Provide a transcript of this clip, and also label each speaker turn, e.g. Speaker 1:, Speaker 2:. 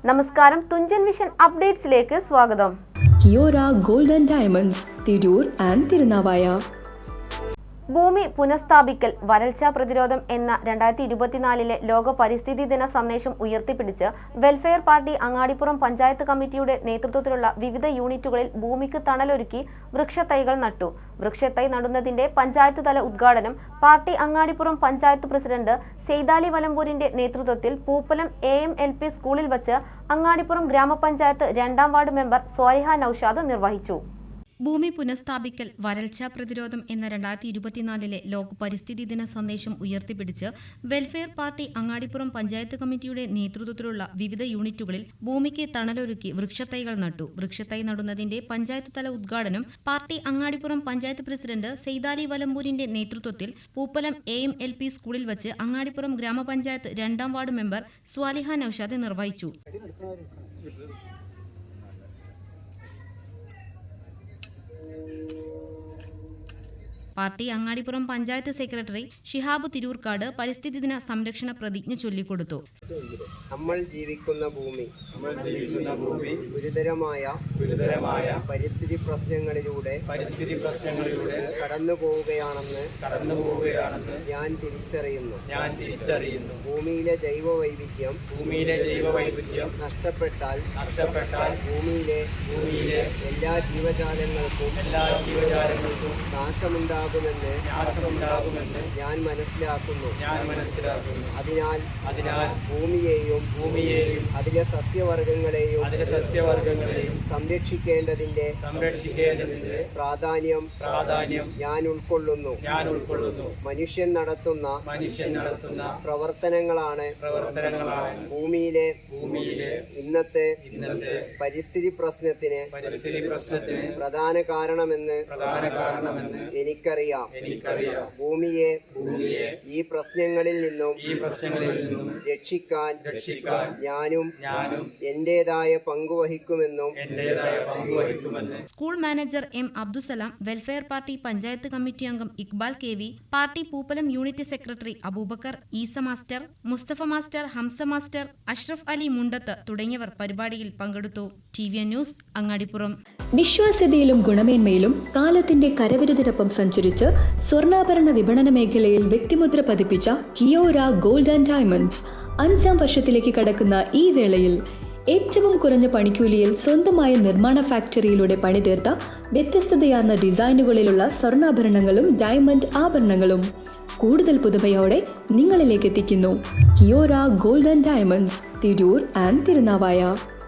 Speaker 1: നമസ്കാരം, തുഞ്ചൻ വിഷൻ അപ്ഡേറ്റ്സിലേക്ക് സ്വാഗതം.
Speaker 2: Kiora gold and diamonds, Tirur and Thirunavaya.
Speaker 1: ഭൂമി പുനഃസ്ഥാപിക്കൽ, വരൾച്ചാ പ്രതിരോധം എന്ന 2024 ലോക പരിസ്ഥിതി ദിന സന്ദേശം ഉയർത്തിപ്പിടിച്ച് വെൽഫെയർ പാർട്ടി അങ്ങാടിപ്പുറം പഞ്ചായത്ത് കമ്മിറ്റിയുടെ നേതൃത്വത്തിലുള്ള വിവിധ യൂണിറ്റുകളിൽ ഭൂമിക്ക് തണലൊരുക്കി വൃക്ഷത്തൈകൾ നട്ടു. വൃക്ഷത്തൈ നടുന്നതിന്റെ പഞ്ചായത്ത് തല ഉദ്ഘാടനം പാർട്ടി അങ്ങാടിപ്പുറം പഞ്ചായത്ത് പ്രസിഡന്റ് സെയ്താലി വലമ്പൂരിന്റെ നേതൃത്വത്തിൽ പൂപ്പലം AMLP സ്കൂളിൽ വച്ച് അങ്ങാടിപ്പുറം ഗ്രാമപഞ്ചായത്ത് 2ാം വാർഡ് മെമ്പർ സ്വാലിഹ നൌഷാദ് നിർവഹിച്ചു.
Speaker 3: ഭൂമി പുനഃസ്ഥാപിക്കൽ, വരൾച്ചാ പ്രതിരോധം എന്ന 2024 ലോക പരിസ്ഥിതി ദിന സന്ദേശം ഉയർത്തിപ്പിടിച്ച് വെൽഫെയർ പാർട്ടി അങ്ങാടിപ്പുറം പഞ്ചായത്ത് കമ്മിറ്റിയുടെ നേതൃത്വത്തിലുള്ള വിവിധ യൂണിറ്റുകളിൽ ഭൂമിക്ക് തണലൊരുക്കി വൃക്ഷത്തൈകൾ നട്ടു. വൃക്ഷത്തൈ നടുന്നതിന്റെ പഞ്ചായത്ത് തല ഉദ്ഘാടനം പാർട്ടി അങ്ങാടിപ്പുറം പഞ്ചായത്ത് പ്രസിഡന്റ് സെയ്താലി വലമ്പൂരിന്റെ നേതൃത്വത്തിൽ പൂപ്പലം AMLP സ്കൂളിൽ വച്ച് അങ്ങാടിപ്പുറം ഗ്രാമപഞ്ചായത്ത് 2ാം വാർഡ് മെമ്പർ സ്വാലിഹ നൌഷാദ് നിർവഹിച്ചു. പാർട്ടി അങ്ങാടിപ്പുറം പഞ്ചായത്ത് സെക്രട്ടറി ഷിഹാബ് തിരൂർക്കാട് പരിസ്ഥിതി ദിന സംരക്ഷണ പ്രതിജ്ഞ ചൊല്ലിക്കൊടുത്തു.
Speaker 4: നമ്മൾ ജീവിക്കുന്ന ഭൂമി ഗുരുതരമായ പരിസ്ഥിതി പ്രശ്നങ്ങളിലൂടെ കടന്നു പോവുകയാണെന്ന് ഞാൻ തിരിച്ചറിയുന്നു. ഭൂമിയിലെ ജൈവ വൈവിധ്യം നഷ്ടപ്പെട്ടാൽ ഭൂമിയിലെ എല്ലാ ജീവജാലങ്ങൾക്കും നാശമുണ്ടാകുമെന്ന് ഞാൻ മനസ്സിലാക്കുന്നു. അതിനാൽ ഭൂമിയെയും അതിലെ സസ്യവർഗങ്ങളെയും സംരക്ഷിക്കേണ്ടതിന്റെ പ്രാധാന്യം ഞാൻ ഉൾക്കൊള്ളുന്നു. മനുഷ്യൻ നടത്തുന്ന പ്രവർത്തനങ്ങളാണ് ഭൂമിയിലെ ഇന്നത്തെ പരിസ്ഥിതി പ്രശ്നത്തിന് പ്രധാന കാരണമെന്ന് എനിക്കറിയാം. ഭൂമിയെ ഈ പ്രശ്നങ്ങളിൽ നിന്നും രക്ഷിക്കാൻ ഞാനും എന്റേതായ പങ്കുവഹിക്കുമെന്നും
Speaker 3: school manager M Abdussalam, welfare party panchayat committee അംഗം Iqbal KV, party Poopalam unit secretary Abubacker, Eesa master, Mustafa master, Hamsa master, Ashraf Ali Mundath തുടങ്ങിയവർ പരിപാടിയിൽ പങ്കെടുത്തു. TVN news, Angadipuram.
Speaker 2: വിശ്വാസ്യതയിലും ഗുണമേന്മയിലും കാലത്തിന്റെ കരവിരുതിനൊപ്പം സഞ്ചരിച്ച് സ്വർണ്ണാഭരണ വിപണന മേഖലയിൽ വ്യക്തിമുദ്ര പതിപ്പിച്ച കിയോര ഗോൾഡ് ആൻഡ് ഡയമണ്ട്സ് 5ാം വർഷത്തിലേക്ക് കടക്കുന്ന ഈ വേളയിൽ ഏറ്റവും കുറഞ്ഞ പണിക്കൂലിയിൽ സ്വന്തമായ നിർമ്മാണ ഫാക്ടറിയിലൂടെ പണിതീർത്ത വ്യത്യസ്തതയാർന്ന ഡിസൈനുകളിലുള്ള സ്വർണ്ണാഭരണങ്ങളും ഡയമണ്ട് ആഭരണങ്ങളും കൂടുതൽ പുതുമയോടെ നിങ്ങളിലേക്ക് എത്തിക്കുന്നു. Kiora gold and diamonds, Tirur and Thirunavaya.